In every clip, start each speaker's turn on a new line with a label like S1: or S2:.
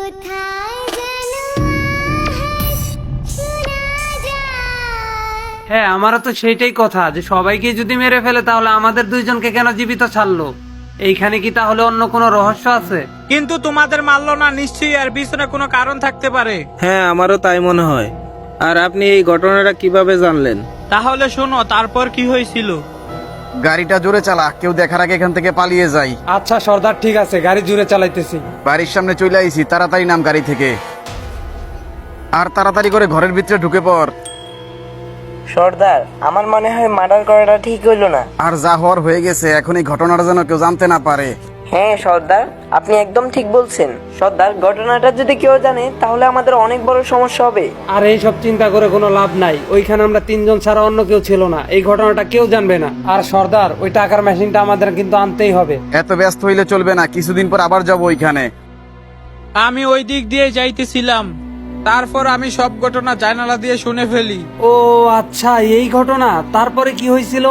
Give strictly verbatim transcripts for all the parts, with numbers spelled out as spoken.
S1: হ্যাঁ, আমারও তো সেইটাই কথা, যে সবাইকে যদি মেরে ফেলে তাহলে আমাদের দুইজনকে কেন জীবিত ছাড়লো? এইখানে কি তাহলে অন্য কোনো রহস্য আছে?
S2: কিন্তু তোমাদের মারলো না, নিশ্চয়ই এর পিছনে কোনো কারণ থাকতে পারে।
S3: হ্যাঁ, আমারও তাই মনে হয়। আর আপনি এই ঘটনাটা কিভাবে জানলেন?
S2: তাহলে শোনো তারপর কি হয়েছিল।
S4: গাড়িটা জোরে চালা, কেউ দেখার আগে এখান থেকে পালিয়ে যাই।
S1: আচ্ছা সর্দার, ঠিক আছে, গাড়ি জুড়ে চালাইতেছি।
S4: বাড়ির সামনে চলে আইছি, তাড়াতাড়ি নাম গাড়ি থেকে, আর তাড়াতাড়ি করে ঘরের ভিতরে ঢুকে পড়।
S5: সর্দার, আমার মনে হয় মার্ডার করাটা ঠিক হইল না।
S4: আর যা হওয়ার হয়ে গেছে, এখন এই ঘটনাটা যেন কেউ জানতে না পারে।
S5: হ্যাঁ সর্দার, আপনি একদম ঠিক বলছেন। সর্দার, ঘটনাটা যদি কেউ জানে তাহলে আমাদের অনেক বড় সমস্যা হবে।
S1: আর এইসব চিন্তা করে কোনো লাভ নাই, ওইখানে আমরা তিনজন ছাড়া অন্য কেউ ছিল না, এই ঘটনাটা কেউ জানবে না। আর সর্দার, ওই টাকার মেশিনটা আমাদের কিন্তু আনতেই হবে।
S4: এত ব্যস্ত হইলে চলবে না, কিছুদিন পর আবার যাবো ওইখানে।
S2: আমি ওই দিক দিয়ে যাইতেছিলাম, তারপর আমি সব ঘটনা জানালা দিয়ে শুনে ফেলি।
S1: ও আচ্ছা, এই ঘটনা। তারপরে কি হয়েছিল?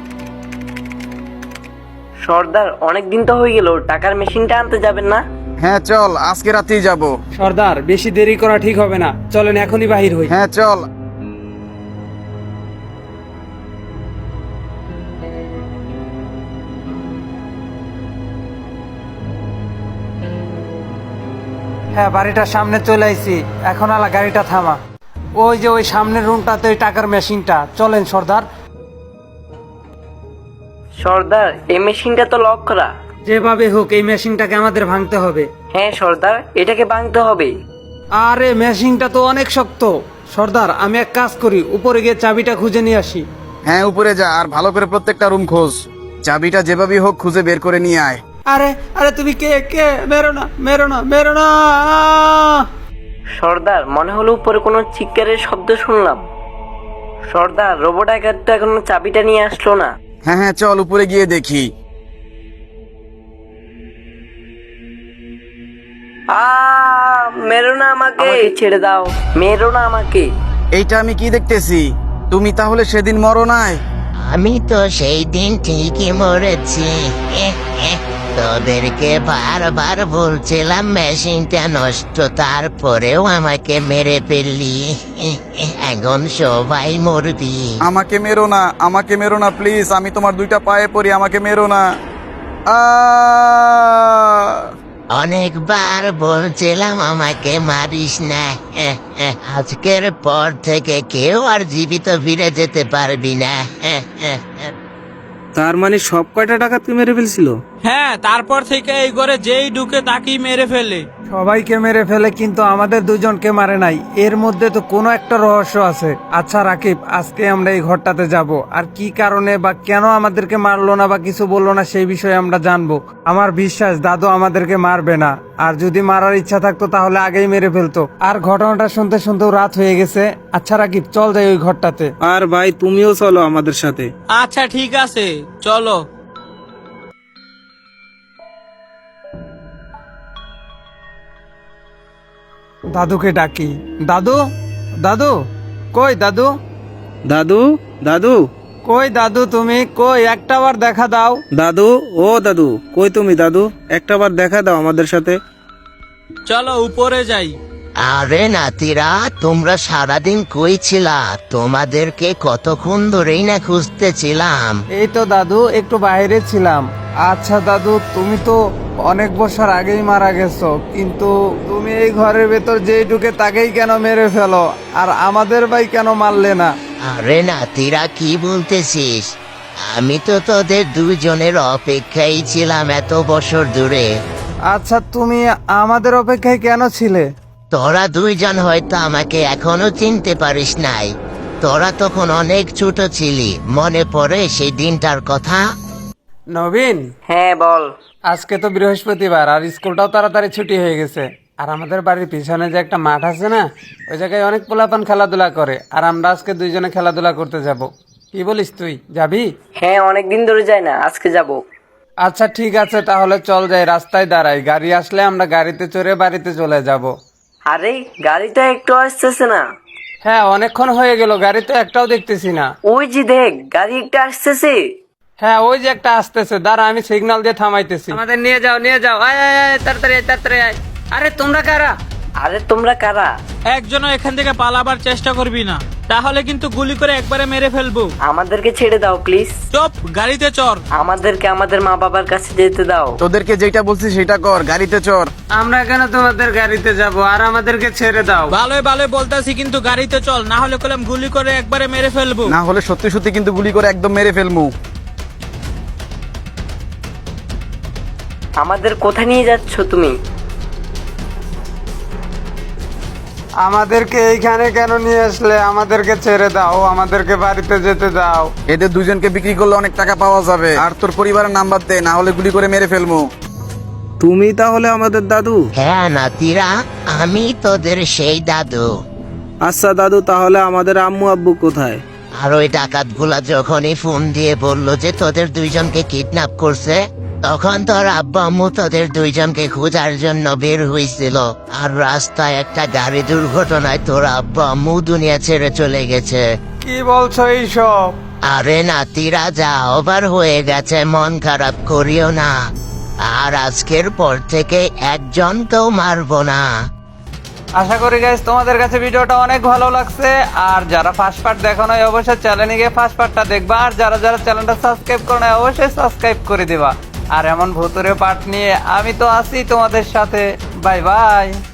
S5: সর্দার, অনেক দিন তো হয়ে গেল, টাকার মেশিনটা আনতে যাবেন না?
S4: হ্যাঁ চল, আজকে রাতেই যাবো।
S1: সর্দার, বেশি দেরি করা ঠিক হবে না, চলেন এখনই বাহির হই।
S4: হ্যাঁ চল।
S1: হ্যাঁ, বাড়িটার সামনে চলে আইছি, এখন আলা গাড়িটা থামা। ওই যে ওই সামনের রুমটাতে ওই টাকার মেশিনটা, চলেন সর্দার।
S5: সর্দার, এই মেশিনটা তো লক করা।
S1: যেভাবে হোক এই মেশিনটাকে আমাদের ভাঙতে হবে।
S5: হ্যাঁ সর্দার, এটাকে ভাঙতে হবে।
S1: আরে মেশিনটা তো অনেক শক্ত। সর্দার, আমি এক কাজ করি, উপরে গিয়ে চাবিটা খুঁজে নিয়ে আসি।
S4: হ্যাঁ উপরে যা, আর ভালো করে প্রত্যেকটা রুম খোঁজ। চাবিটা যেভাবেই হোক খুঁজে বের করে নিয়ে আয়।
S1: আরে আরে তুমি কে কে মেরো না, মেরো না, মেরো না।
S5: সর্দার, মনে হলো উপরে কোনো চিৎকারের শব্দ শুনলাম। সর্দার, রোবট ডাকাত তো এখনো চাবিটা নিয়ে আসলো না।
S4: হ্যাঁ হ্যাঁ চল, উপরে গিয়ে দেখি।
S5: আ মেরো না আমাকে, ছেড়ে দাও, মেরো না আমাকে।
S4: এইটা আমি কি দেখতেছি? তুমি তাহলে সেদিন মরো নাই?
S6: আমি তো সেই দিন ঠিকই মরেছি। এহ, এহ, তোদেরকে বারবার বলছিলাম মেশিনটা নষ্ট, তারপরেও আমাকে মেরে ফেললি। এহ, এহ, এখন সবাই মরবি।
S4: আমাকে মেরো না, আমাকে মেরো না প্লিজ, আমি তোমার দুইটা পায়ে পড়ি, আমাকে মেরো না। আ
S6: অনেকবার বলছিলাম আমাকে মারিস না। এহ, এহ, আজকের পর থেকে কেউ আর জীবিত ফিরে যেতে পারবি না। এহ, এহ, এহ।
S3: তার মানে সব কয়টা ডাকাতকে মেরে ফেলছিল?
S2: হ্যাঁ, তারপর থেকে এই ঘরে যেই ঢুকে তাকেই মেরে ফেলে।
S1: সবাইকে মেরে ফেলে, কিন্তু আমাদের দুজনকে মারে নাই। এর মধ্যে তো কোনো একটা রহস্য আছে। আচ্ছা রাকিব, আজকে আমরা এই ঘরটাতে যাব, আর কি কারণে বা কেন আমাদেরকে মারলো না বা কিছু বললো না সেই বিষয়ে আমরা জানবো। আমার বিশ্বাস দাদু আমাদেরকে মারবে না, আর যদি মারার ইচ্ছা থাকতো তাহলে আগেই মেরে ফেলতো। আর ঘটনাটা শুনতে শুনতেও রাত হয়ে গেছে। আচ্ছা রাকিব, চল যাই ওই ঘরটাতে।
S3: আর ভাই, তুমিও চলো আমাদের সাথে।
S2: আচ্ছা ঠিক আছে, চলো।
S1: দাদুকে ডাকি। দাদু, দাদু, কই দাদু?
S3: দাদু, দাদু,
S1: কই দাদু, তুমি কই? একটা বার দেখা দাও।
S3: দাদু, ও দাদু, কই তুমি দাদু? একটা বার দেখা দাও আমাদের সাথে।
S2: চলো উপরে যাই।
S6: আরে নাতিরা, তোমরা সারাদিন কই ছিলা? তোমাদেরকে কতক্ষণ ধরেই না খুঁজতেছিলাম।
S1: এই তো দাদু, একটু বাইরে ছিলাম। আচ্ছা দাদু, তুমি তো অনেক বছর আগেই মারা গেছো, কিন্তু তুমি এই ঘরের ভেতর যেই ঢুকে তাকেই কেন মেরে ফেলো, আর আমাদের ভাই কেন মারলে না?
S6: আরে নাতিরা, কি বলতেছিস? আমি তো তোদের দুজনের অপেক্ষায় ছিলাম এত বছর ধরে।
S1: আচ্ছা, তুমি আমাদের অপেক্ষায় কেন ছিলে?
S6: তোরা দুইজন হয়তো আমাকে এখনো চিনতে পারিস নাই। তোরা তখন অনেক ছোট ছিলি, মনে পড়ে সেই দিনটার কথা?
S1: নবীন,
S5: হ্যাঁ বল।
S1: আজকে তো বৃহস্পতিবার, আর স্কুলটাও তাড়াতাড়ি ছুটি হয়ে গেছে। আর আমাদের বাড়ির পিছনে যে একটা মাঠ আছে না, ওই জায়গায় অনেক পোলাপান খেলাধুলা করে, আর আমরা আজকে দুইজনে খেলাধুলা করতে যাব। কি বলিস, তুই যাবি?
S5: হ্যাঁ, অনেক দিন ধরে যাই না, আজকে যাব।
S1: আচ্ছা ঠিক আছে, তাহলে চল যাই, রাস্তায় দাঁড়াই, গাড়ি আসলে আমরা গাড়িতে চড়ে বাড়িতে চলে যাব।
S5: আরে গাড়িটা একটু আসতেছে না।
S1: হ্যাঁ, অনেকক্ষণ হয়ে গেল, গাড়ি তো একটাও দেখতেছি না।
S5: ওই যে দেখ, গাড়ি একটা আসতেছে।
S1: হ্যাঁ, ওই যে একটা আসতেছে, দাঁড়া আমি সিগন্যাল দিয়ে থামাইতেছি। আমাদের নিয়ে যাও, নিয়ে যাও, আয় আয় আয়, তাড়াতাড়ি আয়, তাড়াতাড়ি আয়। আরে তোমরা কারা?
S5: আরে তোমরা কারা?
S2: একজনও এখান থেকে পালাবার চেষ্টা করবি না, তাহলে কিন্তু গুলি করে একবারে মেরে ফেলবো।
S5: আমাদেরকে ছেড়ে দাও প্লিজ।
S2: চুপ, গাড়িতে চড়।
S5: আমাদেরকে আমাদের মা বাবার কাছে যেতে দাও।
S4: তোদেরকে যেটা বলছি সেটা কর, গাড়িতে চড়।
S1: আমরা কেন তোমাদের গাড়িতে যাব, আর আমাদেরকে ছেড়ে দাও।
S2: ভালোই ভালোই বলতাছি, কিন্তু গাড়িতে চল, না হলে কলম গুলি করে একবারে মেরে ফেলবো।
S4: না হলে সত্যি সত্যি কিন্তু গুলি করে একদম মেরে ফেলবো।
S5: আমাদের কোথায় নিয়ে যাচ্ছ তুমি?
S1: আমাদেরকে এইখানে কেন নিয়ে আসলে? আমাদেরকে ছেড়ে দাও, আমাদেরকে বাড়িতে যেতে দাও।
S4: এদের দুজনকে বিক্রি করলে অনেক টাকা পাওয়া যাবে। আর তোর পরিবারের নাম্বার দে, না হলে গুলি করে মেরে ফেলবো।
S3: তুমি তাহলে আমাদের দাদু?
S6: হ্যাঁ নাতিরা, আমি তোদের সেই দাদু।
S3: আচ্ছা দাদু, তাহলে আমাদের আম্মু আব্বু কোথায়?
S6: আর ওই ডাকাতগুলা যখনই ফোন দিয়ে বললো যে তোদের দুইজনকে কিডন্যাপ করছে, তখন তোর আব্বা আম্মু তোদের দুইজনকে খোঁজার জন্য বের হয়েছিল। আর রাস্তায় একটা গাড়ি দুর্ঘটনায় তোর আব্বা আম্মু দুনিয়া ছেড়ে চলে গেছে।
S1: কি বলছো এইসব?
S6: আরে নাতিরা, যা ওভার হয়ে গেছে, মন খারাপ করিও না। আর আজকের পর থেকে একজনকেও মারবো না।
S1: আশা করি গাইস তোমাদের কাছে ভিডিওটা অনেক ভালো লাগছে। আর যারা ফার্স্ট পার্ট দেখো নাই অবশ্যই চ্যানেলে গিয়ে ফার্স্ট পার্টটা দেখবা। আর যারা যারা চ্যানেলটা সাবস্ক্রাইব করো নাই অবশ্যই সাবস্ক্রাইব করে দিবা। আর এমন ভুতুরে পার্ট নিয়ে আমি তো আছি তোমাদের সাথে। Bye by.